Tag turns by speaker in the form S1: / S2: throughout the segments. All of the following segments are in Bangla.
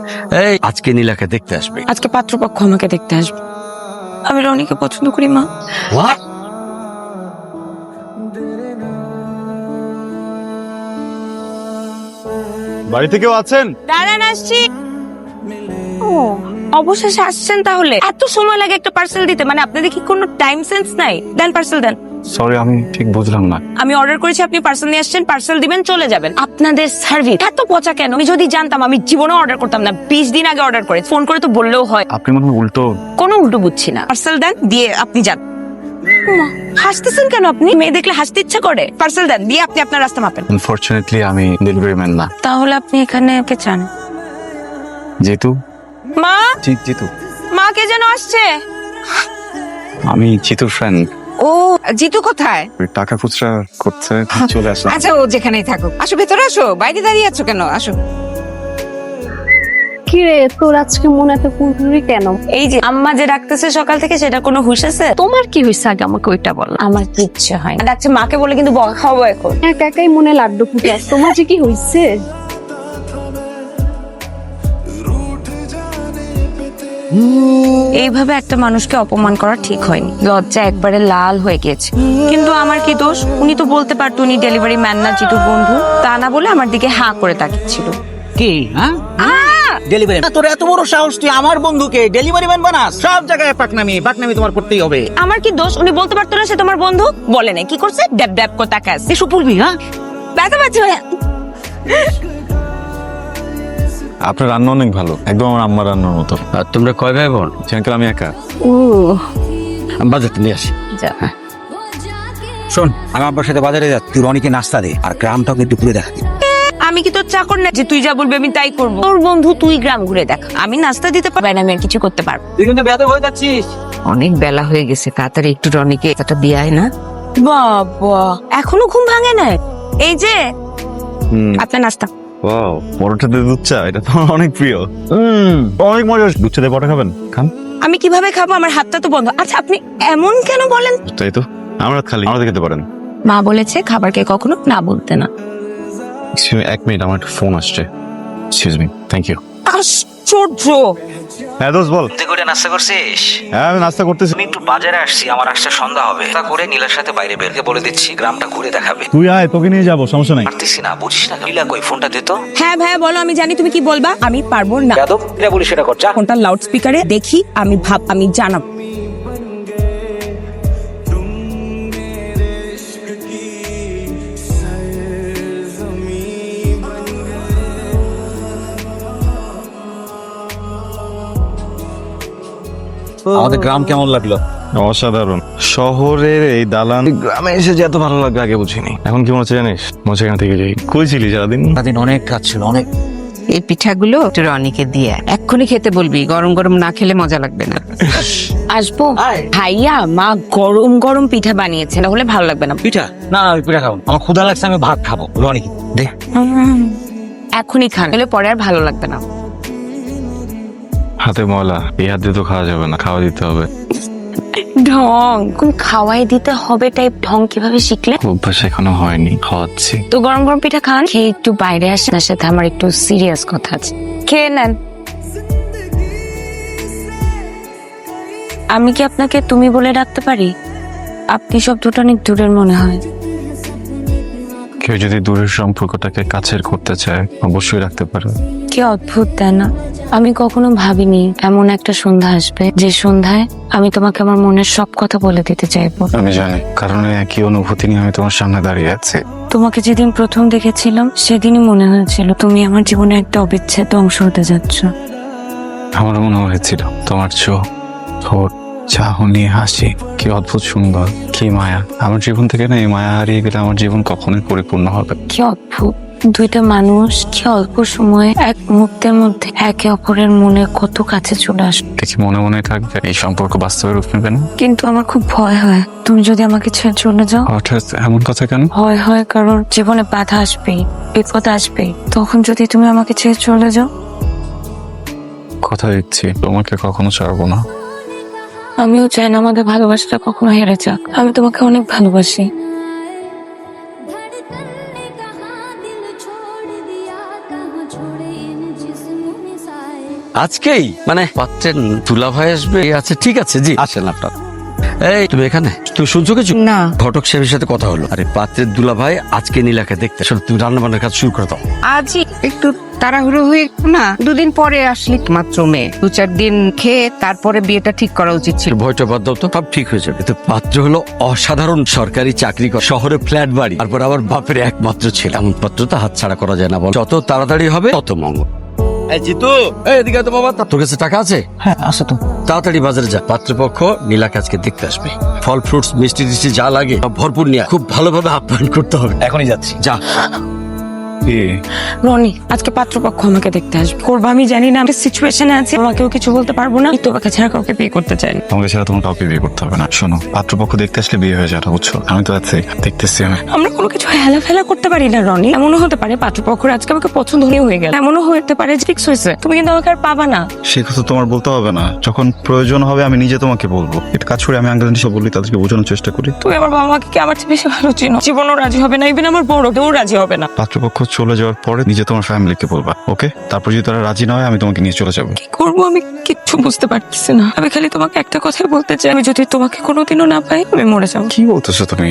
S1: এই আজকে নীলাকে দেখতে আসবে।
S2: আজকে পাত্রপক্ষ আমাকে দেখতে আসবে। আমি রনিকে পছন্দ করি মা।
S1: What?
S3: বাড়িতে কেউ আছেন?
S2: দাঁড়ান আসছি। ও অবশেষে আসছেন তাহলে। এত সময় লাগে একটা পার্সেল দিতে, মানে আপনাদের কি কোনো টাইম সেন্স নাই? দেন পার্সেল দেন।
S3: সরি, আমি ঠিক বুঝলাম না।
S2: আমি অর্ডার করেছি, আপনি পার্সেল নিয়ে আসছেন, পার্সেল দিবেন, চলে যাবেন। আপনাদের সার্ভিস এত পচা কেন? আমি যদি জানতাম আমি জীবনে অর্ডার করতাম না। 20 দিন আগে অর্ডার করে ফোন করে তো বললেও হয়।
S3: আপনি মনে হয় উল্টো।
S2: কোনো উল্টো বুঝছি না। পার্সেল দেন, দিয়ে আপনি যান। মা, হাসতেছেন কেন আপনি? মেয়ে দেখলে হাসতে ইচ্ছা করে। পার্সেল দেন, দিয়ে আপনি আপনার রাস্তা মাপেন।
S3: আনফরচুনেটলি আমি ডেলিভারি ম্যান না।
S2: তাহলে আপনি এখানে কে চান?
S3: জিতু।
S2: মা,
S3: জিতু।
S2: মা কে যেন আসছে।
S3: আমি জিতুর ফ্রেন্ড।
S4: ও জিতু কোথায়?
S3: টাকা খুচরা করতে চলে আসলাম।
S4: আচ্ছা, ও যেখানেই থাকুক। আসো, ভেতরে আসো। বাইরে দাঁড়িয়ে আছো কেন? আসো।
S5: কি রে, তোর আজকে মনে এত কুড়কুড়ি কেন?
S2: এই যে আম্মা যে ডাকতেছে সকাল থেকে, সেটা কোনো হুঁশ আছে?
S5: তোমার কি হয়েছে আগে আমাকে ওইটা বল।
S2: আমার কিচ্ছু হয় না। ডাকছে মাকে বলে কিন্তু বকা খাবো এখন।
S5: একা একাই মনে লাড্ডু ফুটে। তোমার যে কি হয়েছে?
S2: এইভাবে একটা মানুষকে অপমান করা ঠিক হয়নি। লজ্জা একবারে লাল হয়ে গেছে। কিন্তু আমার কি দোষ? উনি তো বলতে পারতো উনি ডেলিভারি ম্যান না, জিতুর বন্ধু। তা না বলে আমার দিকে হাঁ করে তাকিয়েছিল।
S6: কি হ্যাঁ ডেলিভারি? তোর এত বড় সাহস, তুই আমার বন্ধুকে ডেলিভারি ম্যান বানাস? সব জায়গায় পাকনামি তোমার করতেই হবে।
S2: আমার কি দোষ? উনি বলতে পারতো না সে তোমার বন্ধু? বলে নাই, কি করছে? ড্যাব ড্যাব করে তাকাস।
S6: এসব বলবি? হ্যাঁ,
S2: ব্যথা পাচ্ছে।
S3: আপনার রান্না অনেক ভালো, একদম আমার আম্মার রান্নার মতো।
S1: আর তোমরা কয় ভাই বোন?
S3: আঙ্কেল আমি একা।
S5: ও
S1: আমি বাজারটা নিয়ে আসি।
S6: শোন, আমি আব্বার সাথে বাজারে যাচ্ছি, তুই রনিকে নাস্তা দে আর গ্রামটাকে একটু ঘুরে দেখা।
S2: আমি কি তোর চাকর না যে তুই যা বলবি আমি তাই করবো? তোর বন্ধু, তুই গ্রাম ঘুরে দেখ। আমি নাস্তা দিতে পারবো না, আমি আর কিছু করতে পারবো।
S6: তুই কিন্তু বেয়াদব হয়ে যাচ্ছিস।
S4: অনেক বেলা হয়ে গেছে, তাড়াতাড়ি একটু রনিকে একটা দিয়ে না।
S2: বাবা, এখনো ঘুম ভাঙে না? এই যে আপনার নাস্তা।
S3: ওয়াও, পরোটা দিয়ে দুধ চা, এটা তো আমার অনেক প্রিয়। অনেক মজা। দুধ চা দিয়ে পরোটা খাবেন? খান।
S2: আমি কিভাবে খাবো? আমার হাতটা তো বন্ধ। আচ্ছা, আপনি এমন কেন বলেন?
S3: তাই তো, আমরা খালি আমাদের খেতে পারেন।
S2: মা বলেছে খাবারকে কখনো না বলতে না।
S3: এক মিনিট, আমার একটা ফোন আসছে। Excuse me. Thank you.
S2: আশ্চর্য।
S3: হ্যাঁ দোস্ত বল।
S6: তুই করে নাস্তা করছিস?
S3: হ্যাঁ আমি নাস্তা করতেছি।
S6: আমি একটু বাজারে আসছি, আমার আসতে সন্ধ্যা হবে। তা করে নীলার সাথে বাইরে বেরকে বলে দিচ্ছি গ্রামটা ঘুরে দেখাবে।
S3: তুই আয়, তোকে নিয়ে যাবো, সমস্যা নাই।
S6: পারতিস না, বুঝিস না? নীলা কই? ফোনটা দে তো।
S2: হ্যাঁ ভাইয়া বলো, আমি জানি তুমি কি বলবা। আমি পারবো না।
S6: বেয়াদব, এটা বলি সেটা কর, যা।
S2: ফোনটা লাউড স্পিকারে দেখি, আমি জানাবো।
S6: আমাদের গ্রাম কেমন লাগলো?
S3: অসাধারণ। শহরের এই দালান গ্রামে এসে যে এত ভালো লাগবে আগে বুঝিনি। এখন কি মনে হচ্ছে জানিস? মনে হচ্ছে এখান থেকে যাই। কই ছিলি সারাদিন?
S6: সারাদিন অনেক কাজ ছিল, অনেক।
S4: এই পিঠাগুলো একটু রনিকে দিয়ে এক্ষুনি খেতে বলবি, গরম গরম না খেলে মজা লাগবে না।
S2: আসবো
S6: আয়।
S2: ভাইয়া, মা গরম গরম পিঠা বানিয়েছে, না হলে ভালো লাগবে না।
S6: পিঠা? না না, আমি পিঠা খাবো। আমার ক্ষুধা লাগছে, আমি ভাত খাবো। রনি দে।
S2: এখনই খান, হলে পরে আর ভালো লাগবে না।
S3: হাতে ময়লা, এই হাত দিয়ে তো খাওয়া যাবে না, খাওয়া দিতে হবে।
S2: ঢং কোন খাওয়াই দিতে হবে টাইপ ঢং কিভাবে শিখলে?
S3: অভ্যাস এখনো হয়নি, খাওয়াচ্ছি।
S2: তো গরম গরম পিঠা খান, খেয়ে একটু বাইরে আসেন। তার সাথে আমার একটু সিরিয়াস কথা আছে, খেয়ে নেন। আমি কি আপনাকে তুমি বলে ডাকতে পারি? আপনি শব্দটা অনেক দূরের মনে হয়।
S3: কেউ যদি দূরের সম্পর্কটাকে কাছের করতে চায় অবশ্যই রাখতে পারে।
S2: কি অদ্ভুত, তাই না? আমি কখনো ভাবিনি এমন একটা সন্ধ্যা আসবে, যে সন্ধ্যায় আমি তোমাকে আমার মনের সব কথা বলে দিতে চাইবো।
S3: আমি জানি, কারণ এই একই অনুভূতি নিয়ে আমি তোমার সামনে দাঁড়িয়ে আছি।
S2: তোমাকে যেদিন প্রথম দেখেছিলাম সেদিনই মনে হয়েছিল তুমি আমার জীবনে একটা অবিচ্ছেদ্য অংশ হতে যাচ্ছ।
S3: আমার মনে হয়েছিল তোমার চোখ, ঠোঁট, চাহনি, হাসি কি অদ্ভুত সুন্দর, কি মায়া। আমার জীবন থেকে না এই মায়া হারিয়ে গেলে আমার জীবন কখনোই পরিপূর্ণ হবে।
S2: কি অদ্ভুত, দুইটা মানুষ কি অল্প সময়ে এক মুহূর্তের মধ্যে একে অপরের মনে কত কাছে চলে আসে।
S3: দেখি মনে মনে থাকবে, এই সম্পর্ক বাস্তবে রূপ নেবে না।
S2: কিন্তু আমার খুব ভয় হয় তুমি যদি আমাকে ছেড়ে চলে যাও।
S3: হঠাৎ এমন কথা কেন?
S2: ভয় হয় কারণ জীবনে বাধা আসবেই, বিপদ আসবেই। তখন যদি তুমি আমাকে ছেড়ে চলে যাও।
S3: কথা দিচ্ছি তোমাকে কখনো ছাড়বো না।
S2: আমিও চাই না আমাদের ভালোবাসাটা কখনো হেরে যাক। আমি তোমাকে অনেক ভালোবাসি।
S7: धड़कन ने कहा दिल छोड़ दिया, कहाँ छोड़े इन जिस्मों ने साए।
S1: আজকেই মানে পাত্রের দুলা ভাই আসবে আচ্ছা ঠিক আছে জি আসেন আপনার। এই তুমি এখানে তুমি শুনছো কিছু?
S4: না।
S1: ঘটক সাহেবের সাথে কথা হলো, আরে পাত্রের দুলা ভাই আজকে নীলাকে দেখতে আসলে তুমি রান্না বান্নার কাজ শুরু করে দাও।
S4: আজই একটু তাড়াহুড়ো হয়ে না, দুদিন পরে আসলি মাত্র মেয়ে, 2-4 দিন খেয়ে তারপরে বিয়েটা ঠিক করা উচিত ছিল।
S1: ভয়টা বাদ দাও তো, সব ঠিক হয়ে যাবে। তো পাত্র হলো অসাধারণ সরকারি চাকরি করে, শহরে ফ্ল্যাট বাড়ি, তারপর আবার বাপের একমাত্র ছেলে। এমন পাত্র তো হাত ছাড়া করা যায় না, বল যত তাড়াতাড়ি হবে তত মঙ্গল। এই জিতু, এই এদিকে তো বাবা, তোর কাছে টাকা আছে?
S6: হ্যাঁ আছে তো।
S1: তাড়াতাড়ি বাজারে যা, পাত্রপক্ষ নীলাকে আজকে দেখতে আসবে। ফল ফ্রুটস মিষ্টি টিষ্টি যা লাগে সব ভরপুর নিয়ে খুব ভালোভাবে আপ্যায়ন করতে হবে।
S6: এখনই যাচ্ছি।
S1: যা।
S2: রনি, আজকে পাত্রপক্ষ আমাকে দেখতে আসবে। করবো আমি জানি না, আমি সিচুয়েশনে আছি, আমাকেও কিছু বলতে পারবো না। তোমাকে ছাড়া কাউকে বিয়ে করতে চাই না।
S3: তোমাকে ছাড়া তোমার কাউকে বিয়ে করতে হবে না। শোনো, পাত্রপক্ষ দেখতে আসলে বিয়ে হয়ে যাবে, বুঝছো? আমি তো আছি, দেখতেছি আমি।
S2: আমরা কোনো কিছু হেলা ফেলা করতে পারি না রনি। এমনও হতে পারে পাত্রপক্ষর আজকে আমাকে পছন্দ হয়ে গেল, এমনও হতে পারে যে ফিক্স হয়েছে, তুমি কিন্তু আমাকে আর পাবা না।
S3: সে কথা তোমার বলতে হবে না, যখন প্রয়োজন হবে আমি নিজে তোমাকে বলবো। এটা কাজ করে আমি আঙ্কেল সব বলি, তাদেরকে বোঝানোর চেষ্টা করি।
S2: তুমি আমার বাবা মাকে কি আমার চেয়ে বেশি ভালো চিনো? জীবনও রাজি হবে না, ইভেন আমার বড় কেউ রাজি হবে না।
S3: পাত্রপক্ষ চলে যাওয়ার পরে নিজে তোমার ফ্যামিলিকে বলবা, ওকে? তারপর যদি তারা রাজি না হয় আমি তোমাকে নিয়ে চলে যাবো।
S2: কি করবো আমি কিচ্ছু বুঝতে পারতেছি না। আমি খালি তোমাকে একটা কথাই বলতে চাই, আমি যদি তোমাকে কোনোদিনও না পাই আমি মরে যাবো।
S3: কি বলতেছো তুমি?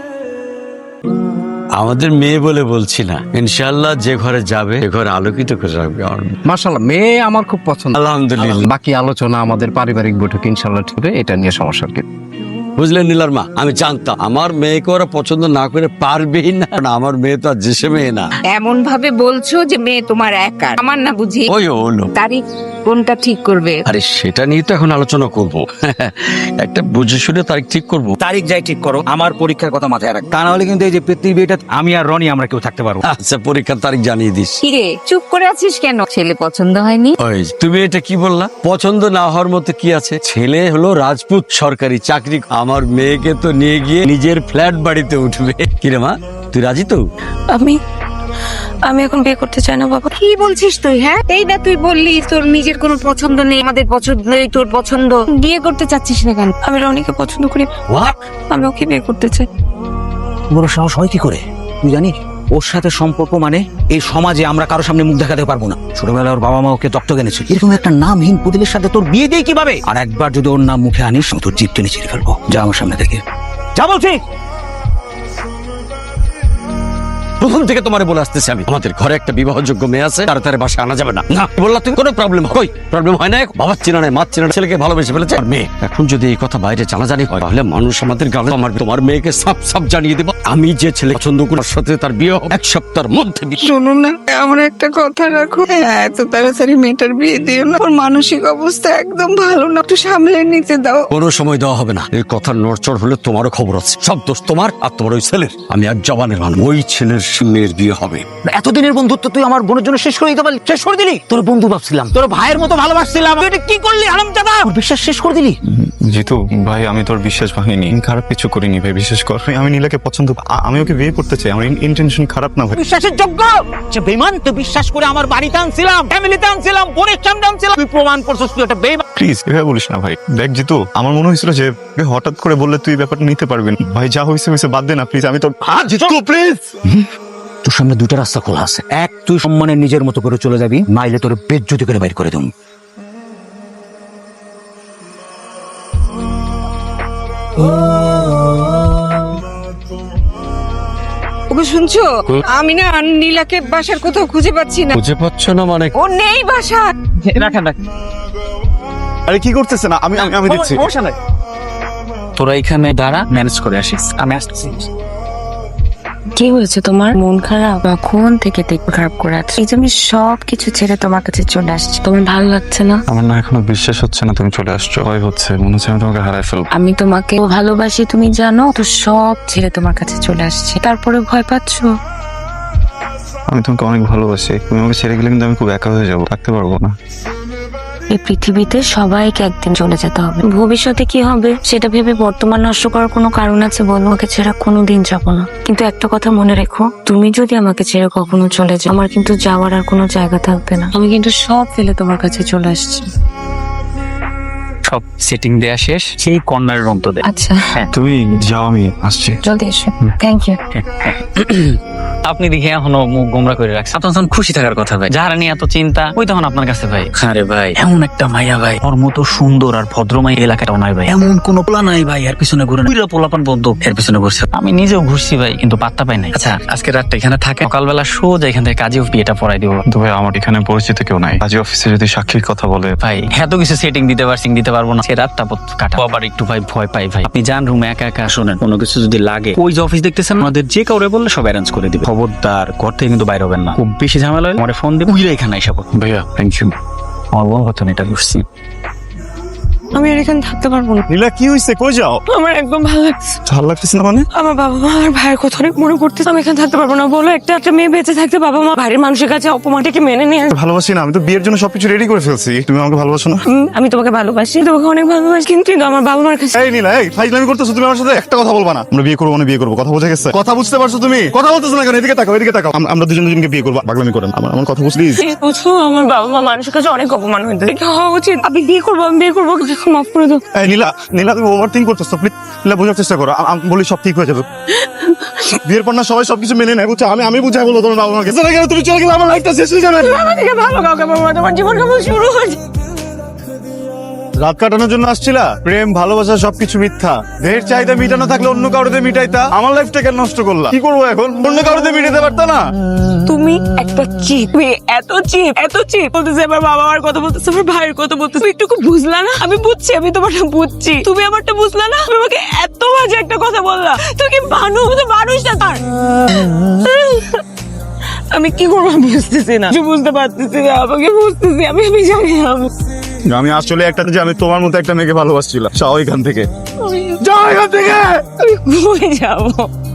S1: আমাদের মেয়ে বলে বলছি না, ইনশাআল্লাহ যে ঘরে যাবে সে ঘরে আলোকিত করে রাখবে আমার মেয়ে।
S7: মাশাআল্লাহ, মেয়ে আমার খুব পছন্দ।
S1: আলহামদুলিল্লাহ।
S7: বাকি আলোচনা আমাদের পারিবারিক বৈঠক ইনশাআল্লাহ ঠিক হবে, এটা নিয়ে সমস্যা কি?
S1: বুঝলেন নীলার মা, আমি জানতাম আমার মেয়েকে ওরা পছন্দ না করে পারবেই না, কারণ আমার মেয়ে তো আর যে সে মেয়ে না।
S4: এমন ভাবে বলছো যে মেয়ে তোমার একা, আমার না বুঝি?
S1: ওই হলো,
S4: তারিখ কোনটা ঠিক করবে?
S1: আরে সেটা নিয়ে তো এখন আলোচনা করব। একটা বুঝে শুনে তারিখ ঠিক করব।
S6: তারিখ যাই ঠিক করো, আমার পরীক্ষার কথা মাথায় রাখ, তা না হলে কিন্তু এই যে পৃথিবীটা আমি আর রনি আমরা কেউ থাকতে পারবো।
S1: আচ্ছা পরীক্ষার তারিখ জানিয়ে দিস।
S4: কিরে চুপ করে আছিস কেন? ছেলে পছন্দ হয়নি?
S1: ওই তুমি এটা কি বললা? পছন্দ না হওয়ার মতো কি আছে? ছেলে হলো রাজপুত সরকারি চাকরি, আমার মেয়েকে তো নিয়ে গিয়ে নিজের ফ্ল্যাট বাড়িতে উঠবে। কিরে মা, তুই রাজি তো?
S2: আমি এখন বিয়ে করতে চাই না বাবা।
S4: কি বলছিস তুই? হ্যাঁ, এই না তুই বললি তোর নিজের কোনো পছন্দ নেই, আমাদের পছন্দ নেই, তোর পছন্দ। বিয়ে করতে চাচ্ছিস না কেন?
S2: আমি রনিকে পছন্দ করি, আমি ওকে বিয়ে করতে চাই।
S6: বড় সাহস হয় কি করে? তুই জানিস ওর সাথে সম্পর্ক মানে এই সমাজে আমরা কারো সামনে মুখ দেখাতে পারবো না। ছোটবেলায় ওর বাবা মা ওকে দত্তক এনেছে, এরকম একটা নামহীন পুতুলের সাথে তোর বিয়ে দিয়ে কিভাবে? আর একবার যদি ওর নাম মুখে আনিস তোর জিভ টেনে ছিঁড়ে ফেলবো। যা আমার সামনে থেকে যা বলছি।
S1: প্রথম থেকে তোমারে বলে আসতেছি আমি, আমাদের ঘরে একটা বিবাহযোগ্য মেয়ে আছে, তাড়াতাড়ি বাসায় আনা যাবে না। না বললা তুমি, কোনো প্রবলেম কই প্রবলেম হয় না? বাবার চেনা নাই, মার চেনা নাই, ছেলেকে ভালোবেসে ফেলেছে আর মেয়ে। এখন যদি এই কথা বাইরে জানাজানি হয় তাহলে মানুষ আমাদের গালে তোমার মেয়েকে সাপ সাপ জানিয়ে দেবো আমি যে ছেলে পছন্দ করি তার সাথে তার বিয়ে হবে 1 সপ্তাহের মধ্যে।
S8: শোনো না, আমার একটা কথা রাখো। এত তাড়াতাড়ি মেয়েটার বিয়ে দিও না, ওর মানসিক অবস্থা একদম ভালো না, একটু সামলে নিতে দাও।
S1: কোনো সময় দেওয়া হবে না। এই কথা নড়চড় হলে তোমারও খবর আছে। সব দোষ তোমার আর তোমার ওই ছেলের। আমি এক জবানের মানুষ, ওই ছেলের মেয়ের বিয়ে হবে।
S6: এতদিনের বন্ধুত্ব তুই আমার বোনের জন্য শেষ করে দিতে পারলি? শেষ করে দিলি। তোর বন্ধু ভাবছিলাম, তোর ভাইয়ের মতো ভালোবাসছিলাম, তুই এটা কি করলি হারামজাদা? ওর বিশ্বাস শেষ করে দিলি।
S3: জিতু ভাই, আমি তোর বিশ্বাস ভাঙিনি, খারাপ কিছু করিনি ভাই, বিশ্বাস কর। আমি নীলাকে পছন্দ, আমি ওকে বিয়ে করতে চাই, আমার ইন্টেনশন খারাপ না ভাই।
S6: বিশ্বাসের যোগ্য যে বেঈমান, তুই বিশ্বাস করে আমার বাড়িতে আনছিলাম, ফ্যামিলিতে আনছিলাম, বোনের সামনে আনছিলাম, তুই প্রমাণ করছিস তুই একটা বেঈমান।
S3: প্লিজ এভাবে বলিস না ভাই। দেখ জিতু, আমার মনে হয়েছিল যে হঠাৎ করে বললে তুই ব্যাপারটা নিতে পারবি না। ভাই যা হয়েছে হয়েছে, বাদ দে না প্লিজ। আমি তোর
S6: প্লিজ। তোর সামনে দুটো রাস্তা খোলা আছে, এক তুই সম্মানে নিজের মতো করে চলে যাবি, নাইলে তোর বেজ্জতি করে বাইর করে দেব।
S4: ওকে শুনছো? আমি না নীলাকে বাসার কোথাও খুঁজে পাচ্ছি না।
S1: বুঝে পাচ্ছ না মানে?
S4: ও নেই বাসা।
S6: রাখেন রাখ।
S3: আরে কি করতেছে না? আমি দিচ্ছি।
S6: তোরা এখানে দাঁড়া, ম্যানেজ করে আসিস, আমি আসছি।
S2: কি হয়েছে তোমার? মন খারাপ? কখন থেকে দেখতে খারাপ করে আছে? এই যে আমি সবকিছু ছেড়ে তোমার কাছে চলে আসছি, তোমার ভালো লাগছে না?
S3: আমার না এখনো বিশ্বাস হচ্ছে না তুমি চলে আসছো। ভয় হচ্ছে, মনে হচ্ছে আমি তোমাকে হারাই ফেলবো।
S2: আমি তোমাকে ভালোবাসি তুমি জানো তো, সব ছেড়ে তোমার কাছে চলে আসছি, তারপরে ভয় পাচ্ছো?
S3: আমি তোমাকে অনেক ভালোবাসি, তুমি আমাকে ছেড়ে গেলে কিন্তু আমি খুব একা হয়ে যাবো, থাকতে পারবো না।
S2: এই পৃথিবীতে সবাইকে একদিন চলে যেতে হবে, ভবিষ্যতে কি হবে সেটা ভেবে বর্তমান নষ্ট করার কোনো কারণ আছে বলো? আমাকে ছেড়ে কোনোদিন যাবো না, কিন্তু একটা কথা মনে রেখো, তুমি যদি আমাকে ছেড়ে কখনো চলে যাও আমার কিন্তু যাওয়ার আর কোনো জায়গা থাকবে না। আমি কিন্তু সব ফেলে তোমার কাছে চলে আসছি।
S6: সব সেটিং দেয়া শেষ, সেই কর্নারের অন্তরে।
S2: আচ্ছা
S3: তুমি যাও, আমি আসছি।
S2: জলদি এসো। Thank you.
S9: আপনি দেখে এখনো মুখ গোমরা করে রাখছেন। আপনার তখন খুশি থাকার কথা ভাই, যারা নিয়ে এত চিন্তা ওই তখন আপনার কাছে ভাই। আরে ভাই এমন একটা মাইয়া ভাই, ওর মতো সুন্দর আর ভদ্র মাইয়া এলাকাটাও নাই ভাই। এমন কোন পোলা নাই ভাই এর পিছনে ঘুরে, পোলাপান বন্ধু এর পিছনে ঘুরছে। আমি নিজেও ঘুরছি ভাই, কিন্তু পাত্তা পাই নাই। আচ্ছা আজকে রাতটা এখানে থাকে, সকালবেলা সোজা এখান থেকে কাজী বিয়েটা পড়াই দিব।
S3: তো ভাই আমার এখানে পরিচিত কেউ নাই, কাজী অফিসে যদি সাক্ষীর কথা বলে
S9: ভাই এত কিছু সেটিং দিতে পারবো না, সে রাতটা কাটা আবার একটু ভাই ভয় পাই ভাই। আপনি যান রুমে একা একা, শোনেন কোনো কিছু যদি লাগে ওই যে অফিস দেখতেছেন আমাদের, যে কাউরে বললে সব অ্যারেঞ্জ করে দিবে। খবরদার ঘর থেকে কিন্তু বাইরে হবেন না, খুব বেশি ঝামেলা হলে আমার ফোন দিয়ে উইরা এখানে এসে পড়ো।
S3: ভাইয়া থ্যাংক ইউ।
S9: আমার বল কথা এটা বুঝছি।
S2: আমি আর এখানে থাকতে পারবো না।
S10: নীলা কি হয়েছে, কই যাও?
S2: আমার একদম ভালো লাগছে।
S10: ভালো লাগতেছে না মানে?
S2: আমার বাবা মা আর ভাইয়ের কথা অনেক মনে করতেছে। আমি এখানে থাকতে পারবো না। বলো একটা মেয়ে বেঁচে থাকতে বাবা মা বাইরের মানুষের কাছে অপমানটাকে মেনে নিয়ে
S10: ভালোবাসি না, আমি তো বিয়ের জন্য সবকিছু রেডি করে ফেলছি। তুমি আমাকে ভালোবাসো না?
S2: আমি তোমাকে ভালোবাসি, তোমাকে অনেক ভালোবাসি, কিন্তু আমার বাবা মার কাছে।
S10: এই নীলা, এই ফাইজলামি করতেছো তুমি আমার সাথে? একটা কথা বলবা না? আমরা বিয়ে করবো মানে বিয়ে করবো, কথা বুঝে গেছে? কথা বুঝতে পারছো তুমি? কথা বলতেছো না কেন? এদিকে তাকাও, এদিকে তাকাও। আমরা দুজনকে বিয়ে করবো, পাগলামি করেন। আমার কথা বুঝলি?
S2: বুঝছো আমার বাবা মা মানুষের কাছে অনেক অপমান হইতে হওয়া উচিত। আমি বিয়ে করবো, মাফ করে দাও।
S10: এই নীলা, নীলা তুমি ওভার থিঙ্ক করতেছো। প্লিজ নীলা, বোঝার চেষ্টা করো। আমি বলি সব ঠিক হয়ে যাবে। বিয়ের পর না সবাই সবকিছু মেনে নেয়, বুঝছো? আমি বুঝাই বলবো তোমার বাবা মাকে। তুমি চলে গেলে আমার লাইফটা শেষ হয়ে যাবে।
S2: ভালো কাউকে বলবো না, তোমার জীবন কেমন শুরু হয়েছে।
S10: রাত কাটানোর জন্য আসছিলা? প্রেম ভালোবাসা সবকিছু মিথ্যা। দেহের চাহিদা মিটানো থাকলে অন্য কারোতে মিটাইতা। আমার লাইফটা কেন নষ্ট করলা? কি করবো এখন? অন্য কারোতে মিটাতে পারতা না?
S2: তুমি একটা চিপ, এত চিপ বলতেছে। আমার বাবা মার কথা বলতেছে, আমার ভাইয়ের কথা বলতেছে। তুমি একটু বুঝলা না? আমি বুঝছি, আমি তোমারটা বুঝছি, তুমি আমারটা বুঝলা না? তুমি আমাকে এত বাজে একটা কথা বললা। তুমি কি মানুষ না তার? আমি কি করবো আমি বুঝতেছি না, বুঝতে পারতেছি না, আমাকে বুঝতেছি। আমি জানি
S10: আমি আসলে একটা যে আমি তোমার মতো একটা মেয়েকে ভালোবাসছিলাম। যাও এখান থেকে, যাও এখান থেকে।
S2: আমি যাবো।